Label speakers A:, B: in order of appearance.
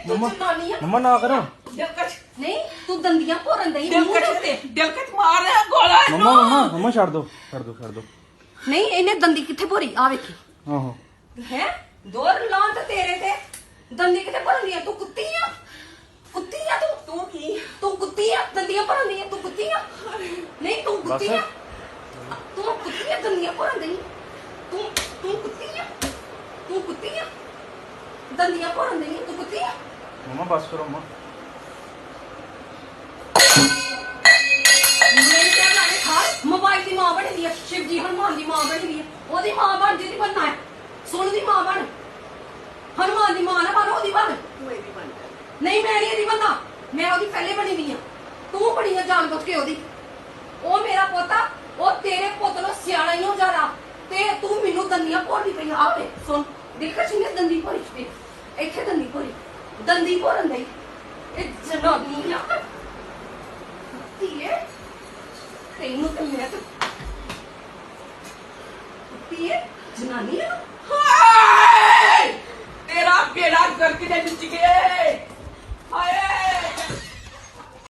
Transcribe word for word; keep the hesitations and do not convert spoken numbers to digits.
A: ਤੂੰ
B: ਮੰਮਾ
A: ਜਨਾਨੀ ਆ
B: ਮੰਮਾ ਨਾ ਕਰੋ
A: ਦਿਲਕਸ਼ ਨਹੀਂ ਤੂੰ ਦੰਦੀਆਂ ਭੋਰਨ ਦਈ
C: ਦਿਲਕਸ਼ ਤੇ ਦਿਲਕਸ਼ ਮਾਰ ਰਿਹਾ ਗੋਲਾ
B: ਮੰਮਾ ਮੰਮਾ ਮੰਮਾ ਛੱਡ ਦੋ ਛੱਡ ਦੋ ਛੱਡ ਦੋ
A: ਨਹੀਂ ਇਹਨੇ ਦੰਦੀ ਕਿੱਥੇ ਭੋਰੀ ਆ ਵੇਖੀ
B: ਆਹੋ
A: ਹੈ ਦੋਰ ਲਾਂ ਤੇ ਤੇਰੇ ਤੇ ਦੰਦੀ ਕਿੱਥੇ ਭਰਨੀ ਆ ਤੂੰ ਕੁੱਤੀ ਆ ਕੁੱਤੀ ਆ ਤੂੰ
C: ਤੂੰ ਕੀ
A: ਤੂੰ ਕੁੱਤੀ ਆ ਦੰਦੀਆਂ ਭਰਨੀ ਆ ਤੂੰ ਕੁੱਤੀ ਆ ਨਹੀਂ ਤੂੰ ਕੁੱਤੀ ਆ ਤੂੰ ਕੁੱਤੀ ਆ ਦੰਦੀਆਂ ਭਰਨ ਦਈ ਤੂੰ ਤੂੰ ਕੁੱਤੀ ਆ ਤੂੰ ਕੁੱਤੀ ਆ ਦੰਦੀਆਂ ਭਰਨ ਦਈ ਤੂੰ ਕੁੱਤੀ ਆ
B: ਮੰਮਾ ਬਸ ਕਰੋ ਮੰਮਾ
A: ਮੇਰੇ ਤੇ ਲਾਣੇ ਖਾ ਮੋਬਾਈਲ ਦੀ ਮਾਂ ਬਣੀ ਦੀ ਆ ਸ਼ਿਵ ਜੀ ਹਨੂਮਾਨ ਦੀ ਮਾਂ ਬਣੀ ਦੀ ਆ ਉਹਦੀ ਮਾਂ ਬਣ ਜਿਹਦੀ ਬਣਨਾ ਹੈ ਸੁਣ ਦੀ ਮਾਂ ਬਣ ਹਨੂਮਾਨ ਦੀ ਮਾਂ ਨਾ ਬਣ ਉਹਦੀ ਬਣ
C: ਤੂੰ ਇਹਦੀ ਬਣ ਜਾ
A: ਨਹੀਂ ਮੈਂ ਨਹੀਂ ਇਹਦੀ ਬੰਦਾ ਮੈਂ ਉਹਦੀ ਪਹਿਲੇ ਬਣੀ ਦੀ ਆ ਤੂੰ ਬਣੀ ਆ ਜਾਣ ਬੁੱਝ ਕੇ ਉਹਦੀ ਉਹ ਮੇਰਾ ਪੋਤਾ ਉਹ ਤੇਰੇ ਪੁੱਤ ਨੂੰ ਸਿਆਣਾ ਹੀ ਹੋ ਜਾਣਾ ਤੇ ਤੂੰ ਮੈਨੂੰ ਦੰਦੀਆਂ ਭੋਰਦੀ ਪਈ ਆ ਵੇ ਸੁਣ ਦੇਖਾ ਸੀ ਨੇ ਦੰਦੀ ਭੋਰੀ ਤੇ ਇੱਥੇ ਦੰਦੀ ਭੋਰੀ ਦੰਦੀ ਭੋਰਨ ਦੇ ਇਹ ਜਨਾਨੀ ਆ ਧੀਏ ਤੈਨੂੰ ਤੇ ਮੈਂ ਤੇ ਧੀਏ ਜਨਾਨੀ ਆ
C: ਹਾਏ ਤੇਰਾ ਬੇੜਾ ਗਰਕ ਦੇ ਵਿੱਚ ਗਿਆ